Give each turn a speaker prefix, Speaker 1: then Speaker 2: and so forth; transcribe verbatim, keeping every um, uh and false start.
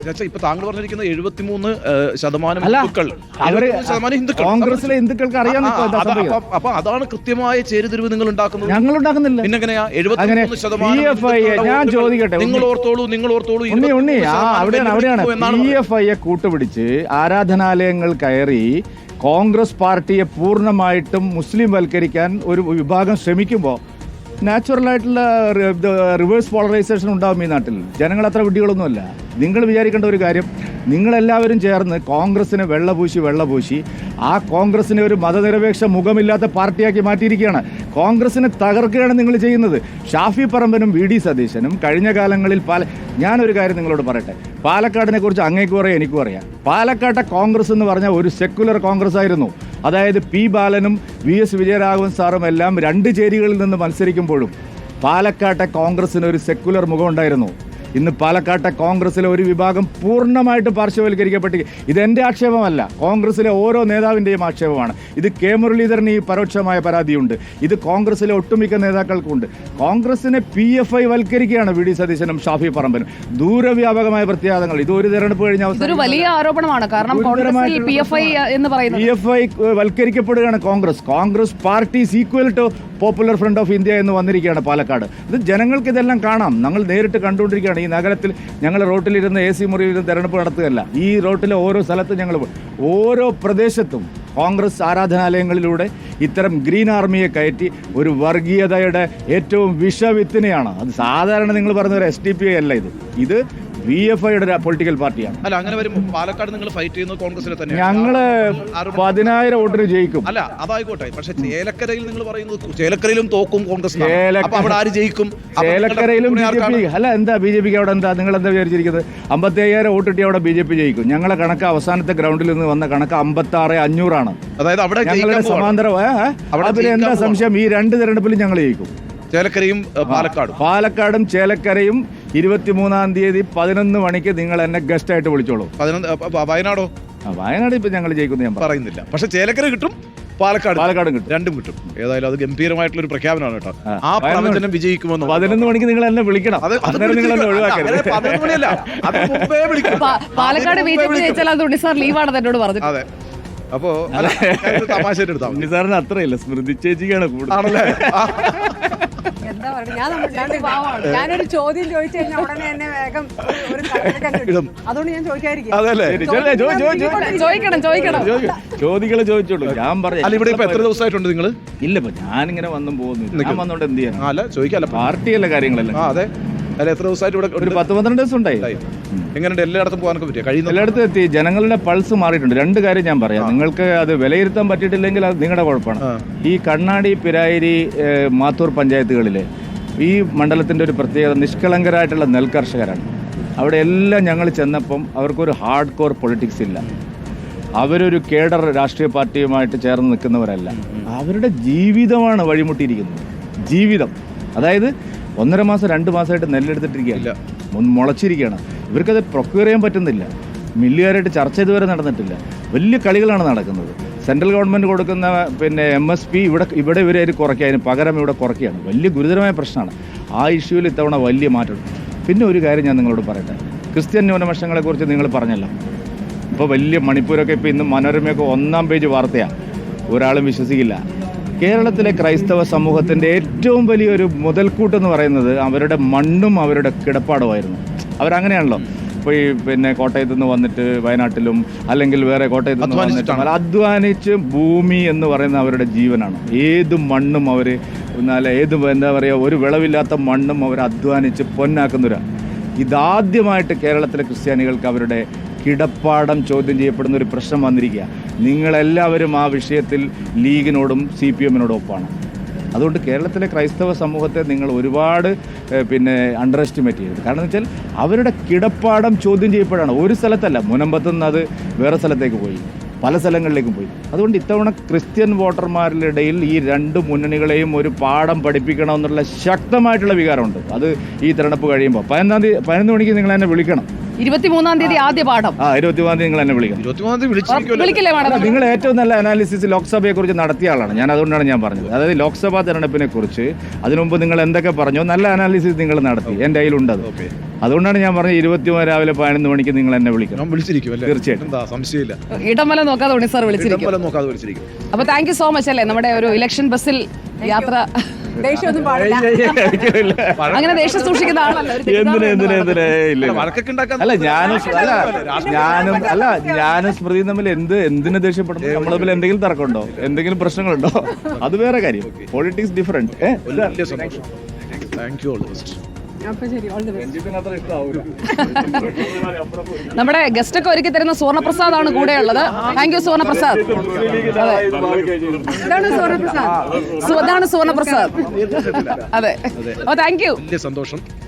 Speaker 1: ഇപ്പൊ താങ്കൾ പറഞ്ഞിരിക്കുന്ന എഴുപത്തിമൂന്ന് ശതമാനം ഹിന്ദുക്കൾ ശതമാനം ഹിന്ദുക്കൾ
Speaker 2: കോൺഗ്രസിലെ ഹിന്ദുക്കൾക്ക് അറിയാം.
Speaker 1: അപ്പൊ അതാണ് കൃത്യമായ ചേരുതിരിവ് നിങ്ങൾ ഉണ്ടാക്കുന്നത്.
Speaker 2: ഞങ്ങൾ ഉണ്ടാക്കുന്നില്ല.
Speaker 1: പിന്നെങ്ങനെയാ എഴുപത്തിമൂന്ന് ശതമാനം?
Speaker 2: ഞാൻ ചോദിക്കട്ടെ,
Speaker 1: നിങ്ങൾ ഓർത്തോളൂ നിങ്ങൾ ഓർത്തോളൂ
Speaker 2: ഉണ്ണി അവിടെയാണ് അവിടെയാണ് പി എഫ് ഐയെ കൂട്ടുപിടിച്ച് ആരാധനാലയങ്ങൾ കയറി കോൺഗ്രസ് പാർട്ടിയെ പൂർണ്ണമായിട്ടും മുസ്ലിം വൽക്കരിക്കാൻ ഒരു വിഭാഗം ശ്രമിക്കുമ്പോൾ നാച്ചുറലായിട്ടുള്ള റിവേഴ്സ് പോളറൈസേഷൻ ഉണ്ടാകും ഈ നാട്ടിൽ. ജനങ്ങൾ അത്ര വിഡ്ഢികളൊന്നുമല്ല. നിങ്ങൾ വിചാരിക്കേണ്ട ഒരു കാര്യം, നിങ്ങളെല്ലാവരും ചേർന്ന് കോൺഗ്രസിനെ വെള്ളപൂശി വെള്ളപൂശി ആ കോൺഗ്രസിനെ ഒരു മതനിരപേക്ഷ മുഖമില്ലാത്ത പാർട്ടിയാക്കി മാറ്റിയിരിക്കുകയാണ്. കോൺഗ്രസിനെ തകർക്കുകയാണ് നിങ്ങൾ ചെയ്യുന്നത്. ഷാഫി പറമ്പനും വി ഡി സതീശനും കഴിഞ്ഞ കാലങ്ങളിൽ പാല ഞാനൊരു കാര്യം നിങ്ങളോട് പറയട്ടെ, പാലക്കാടിനെ കുറിച്ച് അങ്ങേക്കും അറിയാം എനിക്കും അറിയാം. പാലക്കാട്ടെ കോൺഗ്രസ് എന്ന് പറഞ്ഞാൽ ഒരു സെക്കുലർ കോൺഗ്രസ് ആയിരുന്നു. അതായത് പി ബാലനും വി എസ് വിജയരാഘവൻ സാറും എല്ലാം രണ്ട് ചേരികളിൽ നിന്ന് മത്സരിക്കുമ്പോഴും പാലക്കാട്ടെ കോൺഗ്രസിന് ഒരു സെക്കുലർ മുഖം ഉണ്ടായിരുന്നു. ഇന്ന് പാലക്കാട്ടെ കോൺഗ്രസിലെ ഒരു വിഭാഗം പൂർണ്ണമായിട്ട് പാർശ്വവൽക്കരിക്കപ്പെട്ട്, ഇതെൻ്റെ ആക്ഷേപമല്ല, കോൺഗ്രസിലെ ഓരോ നേതാവിൻ്റെയും ആക്ഷേപമാണ്. ഇത് കെ മുരളീധരന് ഈ പരോക്ഷമായ പരാതിയുണ്ട്, ഇത് കോൺഗ്രസിലെ ഒട്ടുമിക്ക നേതാക്കൾക്കുണ്ട്. കോൺഗ്രസിനെ പി എഫ് ഐ വൽക്കരിക്കുകയാണ് വി ഡി സതീശനും ഷാഫി പറമ്പനും. ദൂരവ്യാപകമായ പ്രത്യാഘാതങ്ങൾ. ഇത് ഒരു തെരഞ്ഞെടുപ്പ് കഴിഞ്ഞ
Speaker 3: അവസാനം വലിയ ആരോപണമാണ്. കാരണം പി എഫ് ഐ
Speaker 2: വൽക്കരിക്കപ്പെടുകയാണ് Congress. Congress party equal to popular front of India എന്ന് വന്നിരിക്കുകയാണ് പാലക്കാട്. ഇത് ജനങ്ങൾക്ക് ഇതെല്ലാം കാണാം. ഞങ്ങൾ നേരിട്ട് കണ്ടുകൊണ്ടിരിക്കുകയാണ്. ഈ നഗരത്തിൽ ഞങ്ങൾ റോട്ടിലിരുന്ന് എ സി മുറിയിലിരുന്ന് തെരഞ്ഞെടുപ്പ് നടത്തുകയല്ല. ഈ റോട്ടിലെ ഓരോ സ്ഥലത്തും ഞങ്ങൾ ഓരോ പ്രദേശത്തും കോൺഗ്രസ് ആരാധനാലയങ്ങളിലൂടെ ഇത്തരം ഗ്രീൻ ആർമിയെ കയറ്റി ഒരു വർഗീയതയുടെ ഏറ്റവും വിഷവിത്തിനെയാണ്. അത് സാധാരണ നിങ്ങൾ പറഞ്ഞ ഒരു എസ് ഡി പി ഐ അല്ല, ഇത് ഇത് വി എഫ് ഐയുടെ പൊളിറ്റിക്കൽ പാർട്ടിയാണ്.
Speaker 1: അല്ല, അങ്ങനെ വരുമ്പോൾ പാലക്കാട് നിങ്ങൾ ഫൈറ്റ് ചെയ്യുന്നത് കോൺഗ്രസിനെ തന്നെ.
Speaker 2: ഞങ്ങള് പതിനായിരം വോട്ടിന് ജയിക്കും.
Speaker 1: അല്ല, അതായിക്കോട്ടെ. പക്ഷെ ചേലക്കരയിൽ നിങ്ങൾ പറയുന്നത് ചേലക്കരയിലും തോക്കും കോൺഗ്രസ്. അവിടെ ആര് ജയിക്കും?
Speaker 2: ചേലക്കരയിലും ബി ജെ പി. അല്ല, എന്താ ബി ജെ പിക്ക് അവിടെ എന്താ നിങ്ങൾ എന്താ വിചാരിച്ചിരിക്കുന്നത്? അമ്പത്തി അയ്യായിരം വോട്ട് കിട്ടി അവിടെ ബി ജെ പി ജയിക്കും. ഞങ്ങളെ കണക്ക് അവസാനത്തെ ഗ്രൗണ്ടിൽ നിന്ന് വന്ന കണക്ക് അമ്പത്തി ആറ് അഞ്ഞൂറാണ്.
Speaker 1: അതായത് അവിടെ
Speaker 2: ഞങ്ങളുടെ സമാന്തരം. അതിൽ എന്താ സംശയം? ഈ രണ്ട് തെരഞ്ഞെടുപ്പിലും ഞങ്ങൾ ജയിക്കും.
Speaker 1: ചേലക്കരയും പാലക്കാടും
Speaker 2: പാലക്കാടും ചേലക്കരയും ഇരുപത്തിമൂന്നാം തീയതി പതിനൊന്ന് മണിക്ക് നിങ്ങൾ എന്നെ ഗസ്റ്റ് ആയിട്ട് വിളിച്ചോളൂ.
Speaker 1: വയനാടോ?
Speaker 2: വയനാട് ഇപ്പൊ ഞങ്ങൾ ജയിക്കുന്നു ഞാൻ
Speaker 1: പറയുന്നില്ല. പക്ഷെ ചേലക്കര കിട്ടും, പാലക്കാട്
Speaker 2: പാലക്കാടും കിട്ടും,
Speaker 1: രണ്ടും കിട്ടും. ഏതായാലും അത് ഗംഭീരമായിട്ടുള്ള ഒരു പ്രഖ്യാപനമാണ് കേട്ടോ. ആ പ്രവചനം വിജയിക്കുമെന്ന്
Speaker 2: പതിനൊന്ന് മണിക്ക് നിങ്ങൾ എന്നെ വിളിക്കണം. നിങ്ങൾ എന്നെ ഒഴിവാക്കരുത്.
Speaker 3: പാലക്കാട് ബി ജെ പി ജയിച്ചാൽ അത് ഉണ്ണി സാർ ലീവാണ് എന്നോട് പറഞ്ഞത്.
Speaker 1: അതെ. അപ്പോ തമാശ എടുത്താൽ
Speaker 2: ഉണ്ണി സാറിന് അത്രയില്ല, സ്മൃതി ചേച്ചിക്കാണ് കൂടുതൽ.
Speaker 4: എന്താ പറയുക, ഞാനൊരു ചോദ്യം ചോദിച്ചു കഴിഞ്ഞാൽ ഉടനെ എന്നെ വേഗം അതുകൊണ്ട് ഞാൻ ചോദിക്കാതിരിക്കും.
Speaker 2: ചോദികളെ ചോദിച്ചോളൂ. ഞാൻ പറഞ്ഞു
Speaker 1: ഇവിടെ ഇപ്പൊ എത്ര ദിവസമായിട്ടുണ്ട് നിങ്ങൾ?
Speaker 2: ഇല്ല, ഇപ്പൊ ഞാനിങ്ങനെ വന്നും പോകുന്നു. ഞാൻ വന്നോണ്ട് എന്ത് ചെയ്യാൻ?
Speaker 1: അല്ല, ചോദിക്കാല്ല,
Speaker 2: പാർട്ടിയല്ല കാര്യങ്ങളല്ല.
Speaker 1: അതെ. അല്ല, എത്ര ദിവസമായിട്ട് ഇവിടെ?
Speaker 2: ഒരു പത്ത് പന്ത്രണ്ട് ദിവസം ഉണ്ടായി.
Speaker 1: എങ്ങനെയുണ്ട്? എല്ലായിടത്തും പോകാനൊക്കെ പറ്റിയ കഴിയുന്ന
Speaker 2: എല്ലായിടത്തും എത്തി. ജനങ്ങളുടെ പൾസ് മാറിയിട്ടുണ്ട്. രണ്ട് കാര്യം ഞാൻ പറയാം. നിങ്ങൾക്ക് അത് വിലയിരുത്താൻ പറ്റിയിട്ടില്ലെങ്കിൽ അത് നിങ്ങളുടെ കുഴപ്പമാണ്. ഈ കണ്ണാടി, പിരായിരി, മാത്തൂർ പഞ്ചായത്തുകളിലെ ഈ മണ്ഡലത്തിൻ്റെ ഒരു പ്രത്യേകത നിഷ്കളങ്കരായിട്ടുള്ള നെൽകർഷകരാണ്. അവിടെ എല്ലാം ഞങ്ങൾ ചെന്നപ്പം അവർക്കൊരു ഹാർഡ് കോർ പൊളിറ്റിക്സ് ഇല്ല. അവരൊരു കേഡർ രാഷ്ട്രീയ പാർട്ടിയുമായിട്ട് ചേർന്ന് നിൽക്കുന്നവരല്ല. അവരുടെ ജീവിതമാണ് വഴിമുട്ടിയിരിക്കുന്നത്. ജീവിതം, അതായത് ഒന്നര മാസം രണ്ട് മാസമായിട്ട് നെല്ലെടുത്തിട്ടിരിക്കുകയല്ല, മുളച്ചിരിക്കുകയാണ്. ഇവർക്കത് പ്രൊക്യൂർ ചെയ്യാൻ പറ്റുന്നില്ല. മില്ലുകാരായിട്ട് ചർച്ച ഇതുവരെ നടന്നിട്ടില്ല. വലിയ കളികളാണ് നടക്കുന്നത്. സെൻട്രൽ ഗവൺമെൻറ് കൊടുക്കുന്ന പിന്നെ എം എസ് പി ഇവിടെ ഇവിടെ ഇവരെ കുറയ്ക്കുക, അതിന് പകരം ഇവിടെ കുറയ്ക്കുകയാണ്. വലിയ ഗുരുതരമായ പ്രശ്നമാണ്. ആ ഇഷ്യൂവിൽ ഇത്തവണ വലിയ മാറ്റം. പിന്നെ ഒരു കാര്യം ഞാൻ നിങ്ങളോട് പറയട്ടെ, ക്രിസ്ത്യൻ ന്യൂനപക്ഷങ്ങളെക്കുറിച്ച് നിങ്ങൾ പറഞ്ഞല്ലോ. ഇപ്പോൾ വലിയ മണിപ്പൂരൊക്കെ ഇപ്പോൾ ഇന്ന് മനോരമയൊക്കെ ഒന്നാം പേജ് വാർത്തയാണ്. ഒരാളും വിശ്വസിക്കില്ല. കേരളത്തിലെ ക്രൈസ്തവ സമൂഹത്തിൻ്റെ ഏറ്റവും വലിയൊരു മുതൽക്കൂട്ടെന്ന് പറയുന്നത് അവരുടെ മണ്ണും അവരുടെ കിടപ്പാടുമായിരുന്നു. അവരങ്ങനെയാണല്ലോ. ഇപ്പോൾ ഈ പിന്നെ കോട്ടയത്തു നിന്ന് വന്നിട്ട് വയനാട്ടിലും അല്ലെങ്കിൽ വേറെ കോട്ടയത്തു നിന്ന് വന്നിട്ട് അധ്വാനിച്ച് ഭൂമി എന്ന് പറയുന്ന അവരുടെ ജീവനാണ്. ഏത് മണ്ണും അവർ എന്നാൽ ഏത് എന്താ പറയുക, ഒരു വിളവില്ലാത്ത മണ്ണും അവർ അധ്വാനിച്ച് പൊന്നാക്കുന്നവരാണ്. ഇതാദ്യമായിട്ട് കേരളത്തിലെ ക്രിസ്ത്യാനികൾക്ക് അവരുടെ കിടപ്പാടം ചോദ്യം ചെയ്യപ്പെടുന്ന ഒരു പ്രശ്നം വന്നിരിക്കുക. നിങ്ങളെല്ലാവരും ആ വിഷയത്തിൽ ലീഗിനോടും സി പി എമ്മിനോടും ഒപ്പമാണ്. അതുകൊണ്ട് കേരളത്തിലെ ക്രൈസ്തവ സമൂഹത്തെ നിങ്ങൾ ഒരുപാട് പിന്നെ അണ്ടർ എസ്റ്റിമേറ്റ് ചെയ്യരുത്. കാരണം എന്ന് വെച്ചാൽ അവരുടെ കിടപ്പാടം ചോദ്യം ചെയ്യപ്പെടാണ്. ഒരു സ്ഥലത്തല്ല, മുനമ്പത്തുനിന്ന് അത് വേറെ സ്ഥലത്തേക്ക് പോയി, പല സ്ഥലങ്ങളിലേക്കും പോയി. അതുകൊണ്ട് ഇത്തവണ ക്രിസ്ത്യൻ വോട്ടർമാരുടെ ഇടയിൽ ഈ രണ്ട് മുന്നണികളെയും ഒരു പാഠം പഠിപ്പിക്കണമെന്നുള്ള ശക്തമായിട്ടുള്ള വികാരമുണ്ട്. അത് ഈ തെരഞ്ഞെടുപ്പ് കഴിയുമ്പോൾ പതിനൊന്നാം തീയതി പതിനൊന്ന് മണിക്ക് നിങ്ങൾ എന്നെ വിളിക്കണം.
Speaker 3: ഇരുപത്തിമൂന്നാം തീയതി ആദ്യ പാഠം.
Speaker 2: ആ ഇരുപത്തിമൂന്നാം തീയതി നിങ്ങൾ എന്നെ വിളിക്കണം.
Speaker 1: ഇരുപത്തിമൂന്നാം തീയതി വിളിച്ചിരിക്കുമല്ലോ.
Speaker 3: വിളിക്കില്ലേ മാഡം?
Speaker 2: നിങ്ങൾ ഏറ്റവും നല്ല അനാലിസിസ് ലോക്സഭയെ കുറിച്ച് നടത്തിയ ആളാണ്. ഞാൻ അതുകൊണ്ടാണ് ഞാൻ പറഞ്ഞത്. അതായത് ലോക്സഭാ തെരഞ്ഞെടുപ്പിനെ കുറിച്ച് അതിനുമുമ്പ് നിങ്ങൾ എന്തൊക്കെ പറഞ്ഞോ നല്ല അനാലിസിസ് നിങ്ങൾ നടത്തി. എൻ്റെ കയ്യിലുണ്ടത്. അതുകൊണ്ടാണ് ഞാൻ പറഞ്ഞത് ഇരുപത്തിമൂന്ന് രാവിലെ പതിനൊന്ന് മണിക്ക് നിങ്ങൾ എന്നെ വിളിക്കണം.
Speaker 1: ഞാൻ വിളിച്ചിരിക്കും അല്ലേ?
Speaker 2: തീർച്ചയായിട്ടും.
Speaker 1: എന്താ സംശയമില്ല.
Speaker 3: ഇടമല നോക്കാതെ ഉണ്ണി സാർ വിളിച്ചിരിക്കും.
Speaker 1: ഇടംബലം നോക്കാതെ വിളിച്ചിരിക്കും.
Speaker 3: അപ്പൊ താങ്ക് യു സോ മച്ച് അല്ലേ നമ്മുടെ ഒരു ഇലക്ഷൻ ബസ്സിൽ യാത്ര.
Speaker 4: ദേഷ്യമൊന്നും പാടില്ല.
Speaker 3: അങ്ങനെ ദേഷ്യം സൂക്ഷിക്കുന്ന ആളല്ല. ഒരു
Speaker 2: എന്തിനാ
Speaker 3: തെറ്റിദ്ധാരണ
Speaker 2: എന്തിനാ
Speaker 3: ഉണ്ട്.
Speaker 2: എന്തിനാ ഇല്ല ഇല്ല.
Speaker 1: വഴക്കൊക്കെ ഉണ്ടാക്കാൻ
Speaker 2: അല്ല ഞാനും അല്ല ഞാനും അല്ല ഞാനും സ്മൃതിയും തമ്മിൽ എന്ത് എന്തിനു ദേഷ്യപ്പെടുന്നു? നമ്മൾ തമ്മിൽ എന്തെങ്കിലും തർക്കമുണ്ടോ? എന്തെങ്കിലും പ്രശ്നങ്ങളുണ്ടോ? അത് വേറെ കാര്യം. Politics different.
Speaker 1: വലിയ സന്തോഷം. Thank you. All the best.
Speaker 4: അപ്പൊ ശരി, ഓൾ ദി ബെസ്റ്റ്.
Speaker 3: നമ്മുടെ ഗസ്റ്റ് ഒക്കെ ഒരുക്കി തരുന്ന സുവർണപ്രസാദ് ആണ് കൂടെയുള്ളത്. Thank you Suvarnaprasad.
Speaker 4: ഇതാണ് സുവർണപ്രസാദ്.
Speaker 3: അതാണ് സുവർണപ്രസാദ്. അതെ. Oh thank you.
Speaker 1: വലിയ സന്തോഷം.